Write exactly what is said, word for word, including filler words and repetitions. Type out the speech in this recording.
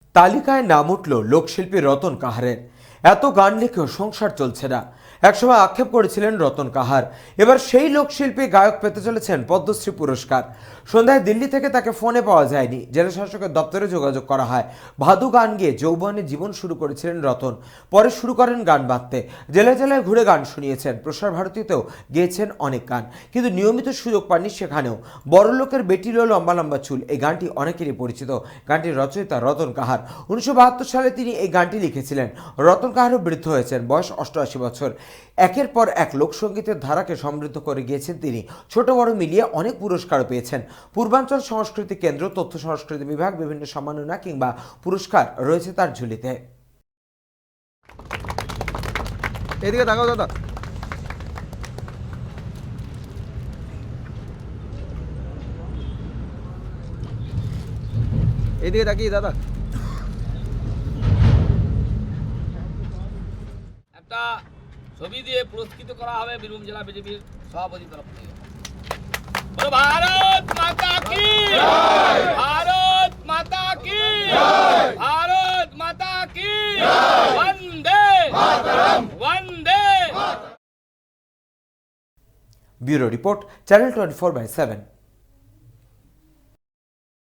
তালিকায় নাম উঠল লোকশিল্পী রতন কাহারের। এত গান লিখেও সংসার চলছে না, একসময় আক্ষেপ করেছিলেন রতন কাহার। এবার সেই লোকশিল্পী গায়ক পেতে চলেছেন পদ্মশ্রী পুরস্কার। সন্ধ্যায় দিল্লি থেকে তাকে ফোনে পাওয়া যায়নি, জেলা শাসকের দপ্তরে যোগাযোগ করা হয়। ভাদু গান গেয়ে যৌবনে জীবন শুরু করেছিলেন রতন, পরে শুরু করেন গান বাঁধতে। জেলায় জেলায় ঘুরে গান শুনিয়েছেন, প্রসার ভারতীতেও গেয়েছেন অনেক গান, কিন্তু নিয়মিত সুযোগ পাননি সেখানেও। বড়লোকের বেটিরও লম্বা লম্বা চুল, এই গানটি অনেকেরই পরিচিত। গানটির রচয়িতা রতন কাহার। উনিশশো বাহাত্তর সালে তিনি এই গানটি লিখেছিলেন। রতন কাহারও বৃদ্ধ হয়েছেন, বয়স অষ্টআশি বছর। একের পর এক লোকসঙ্গীতের ধারাকে সমৃদ্ধ করে গিয়েছেন তিনি। ছোট বড় মিলিয়ে অনেক পুরস্কারও পেয়েছেন। পূর্বাঞ্চল সংস্কৃতি কেন্দ্র, তথ্য সংস্কৃতি বিভাগ, বিভিন্ন সম্মাননা কিংবা পুরস্কার রয়েছে তার ঝুলিতে। এদিকে তাকাও দাদা। এদিকে তাকিয়ে দাদা। একটা ছবি দিয়ে পুরস্কৃত করা হবে বীরভূম জেলা বিজেপির সভাপতির তরফ থেকে। ভারত মাতা কি জয়, ভারত মাতা কি জয়, ভারত মাতা কি জয়, বন্দে মাতরম, বন্দে। Bureau report, channel twenty four by seven.